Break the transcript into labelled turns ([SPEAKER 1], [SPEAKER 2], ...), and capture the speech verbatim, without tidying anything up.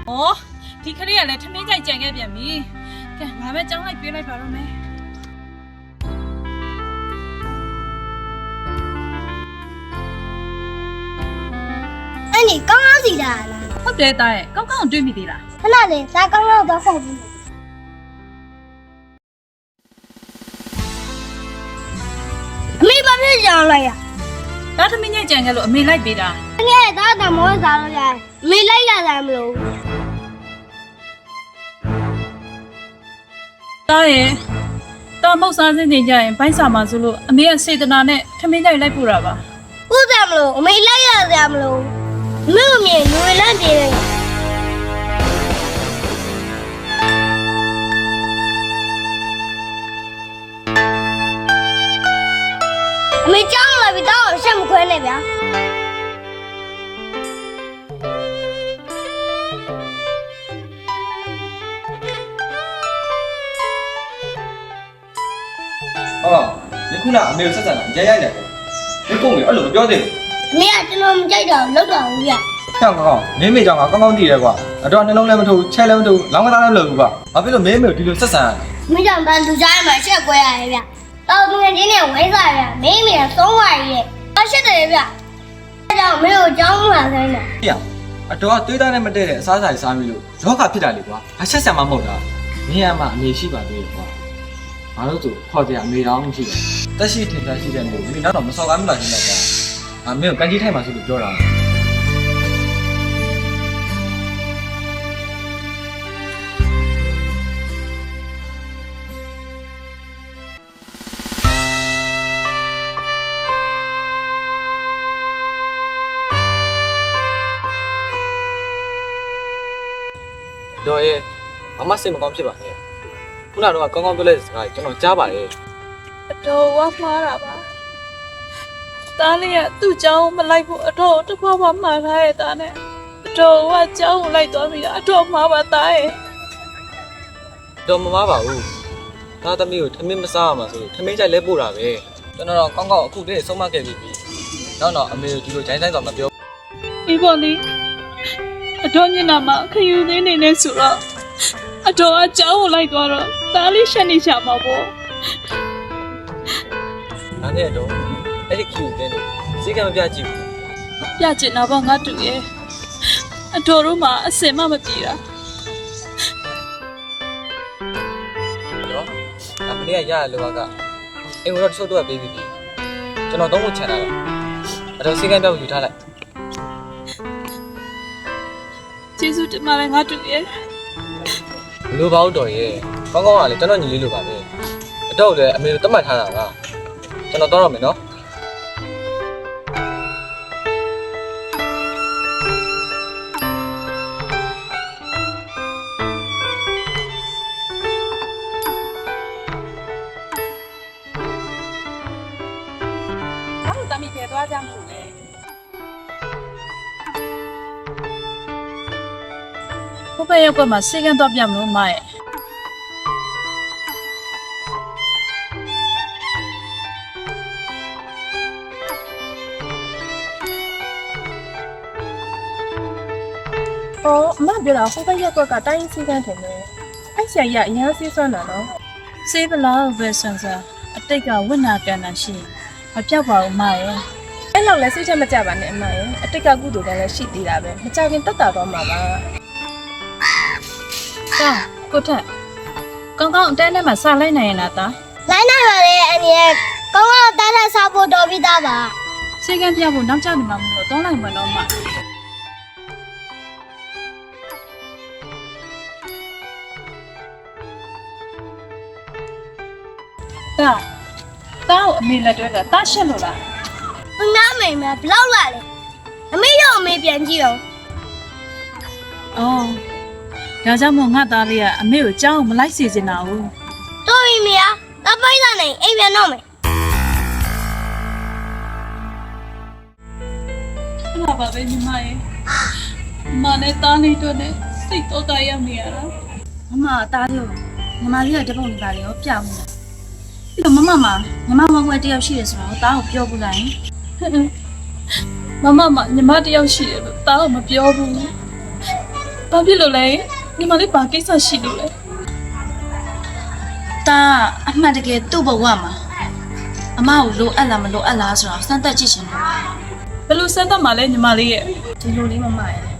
[SPEAKER 1] 哦，ဒီခလေးကလည်းထမင်းကြိုက်ကြံခဲ့ပြန်ပြီ။ကဲငါပဲကြောင်းလိုက်ပြေးလိုက်ပါတော့မယ်။
[SPEAKER 2] အဲ့ဒီကောင်းကောင်းစီလာလား
[SPEAKER 1] ဟုတ်တယ်တားရဲ့ကောင်းကောင်းတွေးမိသေးလား
[SPEAKER 2] ခဏလေးဒါကောင်းကောင်းတော့ဆက်ပြီးအမေဘာဖြစ်ကြအောင်လိုက်ရ
[SPEAKER 1] ။ဒါထမင်းကြိုက်ကြံခဲ့လို့အမေလိုက်ပေးတာ
[SPEAKER 2] ငယ်သားတမောစားလို့ရတယ်အမေလိုက်လာတာမလို့
[SPEAKER 1] ။တားရဲ့တားမောက်စားစင်းနေကြရင်ဘိုက်စာမှာဆိုလို့အမေကစေတနာနဲ့ထမင်းကြိုက်လိုက်ပို့တာပါ
[SPEAKER 2] ဟုတ်တယ်မလို့အမေလိုက်ရတာမလို့အမေအမေလူလန့်ပြေးတယ်အမေကြောင်းလာပြီတော့ရှက်မခွဲနဲ့ဗျာ
[SPEAKER 3] ဟောဒီခုနအမေကိုဆက်ဆံတာရိုက်ရိုက်တယ်ဒီကုန်းကြီးအဲ့လိုမပြောသေး
[SPEAKER 2] အမေကကျွန်တော်မကြိုက်တော့လောက်တော့ဘူးဗျာ
[SPEAKER 3] ဘူးကြောက်ကောင်းမင်းမေကြောင့်ကောင်းကောင်းတည်ရဲကွာအတော်နှလုံးလည်းမထိုးချဲလည်းမထိုးလောင်းကသားလည်းမလုပ်ဘူးကွာဘာဖြစ်လို့မင်းမေကိုဒီလိုဆက်ဆံရလဲ
[SPEAKER 2] ။မိကြောင့်တန်သူကြားထဲမှာရှက်ကွဲရတယ်ဗျ။တောက်ငယ်ချင်းနဲ့ဝိုင်းစားရမင်းမေကသုံးဝါရီရဲ့။အရှက်တယ်ဗျ။အဲကြောင့်မင်းကိုကြောင်းလာခိုင်းတယ်
[SPEAKER 3] ဟေ့အတော်ကသွေးသားနဲ့မတည့်တဲ့အစားအစာတွေစားပြီးလို့ယောဂဖြစ်တာလေကွာအဆက်ဆံမှမဟုတ်တာမင်းကမှအမေရှိပါသေးတယ်ကွာဘာလို့ဆိုခေါ်ကြအမေတော်မရှိတယ်တက်ရှိထင်ရှားရှိတဲ့မျိုးမင်းတော့မစော်ကားမလားရှင်းလိုက်တာအမေကိုကန်ကြီးထိုက်မှဆိုလို့ပြောတာတော့ရဲ့မမစိတ်မကောင်းဖြစ်ပါနဲ့ခုနကတော့ကောင်းကောင်းပြောလိုက်တဲ့စကားကျွန်တော်ကြားပါတယ်
[SPEAKER 1] ။အတော်ဝါမှားတာပါ။တားလေးကသူ့เจ้าမလိုက်ဘူးအတော်တစ်ခွားမှမှားထားရဲ့တားနဲ့အတော်ကเจ้าကိုလိုက်သွားပြီအတော်မှားပါတားရဲ့
[SPEAKER 3] တော့မမပါဘူးသားသမီးကိုထမင်းမစားရမှာဆိုလို့ထမင်းကြိုက်လဲပို့တာပဲကျွန်တော်တော့ကောင်းကောင်းအခုတည်းဆုံးမခဲ့ပြီနောက်တော့အမေကိုဒီလိုဂျိုင်းဆိုင်တော့မပြော
[SPEAKER 1] ။ဒီပေါ်လေးအတော်မျက်နှာမှာခယူသေးနေနေဆိုတော့အတော်ကเจ้าကိုလိုက်သွားတော့တားလေးရှက်နေချမှာပေါ့
[SPEAKER 3] ဒါနဲ့တော့အဲ့ဒီခီကိုတင်းနေစိတ်ကမပြကြည့်ဘူး
[SPEAKER 1] ။ပြကျင်တာပေါ့ငါတူရဲ့အတော်တို့မှအစင်မမပြေတာ
[SPEAKER 3] နော်အမလေးကရရလောကအိမ်ကိုတော့တချို့တော့ပေးပြီးပြီကျွန်တော်သုံးဖို့ချန်တာလားအဲ့တော့စိတ်ကပြောက်ယူထားလိုက်
[SPEAKER 1] ။ကျေးဇူးတင်ပါတယ်ငါတူရဲ့
[SPEAKER 3] ဘလို့ပါဦးတော်ရဲ့ကောင်းကောင်းကလည်းကျွန်တော်ညီလေးလိုပါပဲအတော့လည်းအမေကိုတတ်မှတ်ထားတာကကျွန်တော်တော့ရမယ်နော်
[SPEAKER 1] ။ဘာလို့တမီးပြေသွားကြမှာလဲ။ဘုပ္ပရုပ်ကမှစေကန်းတော့ပြမလို့မရဲ့
[SPEAKER 4] 哦，မပြောတာဟိုဘက်ရက်ကွက်ကတိုင်းစီကန်းတယ်လေအဲ့ဆရာကြီးကအရန်စီးစွမ်းတာနော်
[SPEAKER 1] စေးပလောက်ပဲဆန်ဆန်အတိတ်ကဝိနာကန်တာရှိမပြောက်ပါဘူးမရဲ့
[SPEAKER 4] အဲ့လောက်လဲစိတ်ချက်မကြပါနဲ့အမရဲ့အတိတ်ကကုသိုလ်ကလည်းရှိသေးတာပဲမကြခင်တက်တာတော့မှာပါ
[SPEAKER 1] ။ကြောင်းကိုထက်ကောင်းကောင်းအတဲနဲ့မှစလိုက်နိုင်ရင်လားသား
[SPEAKER 2] ။လိုင်းနိုင်ပါလေအန်ရဲ့ကောင်းကောင်းတားတဲ့စားဖို့တော်ပြီးသားပါ
[SPEAKER 1] ။စေကန်းပြဖို့နောက်ကျနေမှာမလို့တောင်းလိုက်မှတော့မှ။တာတာကိုအမေလက်တွဲတာတာရှက်လို့လား
[SPEAKER 2] ။အနားမိန်မှာဘလောက်လာလဲ။အမေရောအမေပြန်ကြည့်အောင်
[SPEAKER 1] ။အော်ဒါကြောင့်မို့ငါသားလေးကအမေကိုကြောင်းမလိုက်စေချင်တာဘူး
[SPEAKER 2] ။တော်ပြီမယား။တပိုက်လာနေအိမ်ပြန်တော့မယ်
[SPEAKER 1] ။အဲ့ဒါပါပဲညီမရဲ့။မနဲ့သားလေးတို့နဲ့စိတ်တော့တာရောက်နေရတာ
[SPEAKER 5] မမအသားလေးကိုညီမလေးကတပုံလေးပါလေရောပြမှုလားပြီးတော့မမမှာညီမဝဝဲတယောက်ရှိတယ်ဆိုတော့တားကိုပြောဘူးလားယင်
[SPEAKER 1] ။မမမညီမတယောက်ရှိတယ်လို့သားကိုမပြောဘူး။ဘာဖြစ်လို့လဲညီမလေးဘာကိစ္စရှိလို့လဲ
[SPEAKER 5] တာအမှန်တကယ်သူ့ဘဝမှာအမကိုလိုအပ်လားမလိုအပ်လားဆိုတော့စမ်းသပ်ကြည့်ရှင်လို့
[SPEAKER 1] ဘယ်လိုစမ်းသပ်မှလဲညီမလေးရဲ့
[SPEAKER 4] ဒီလိုလေးမမရဲ့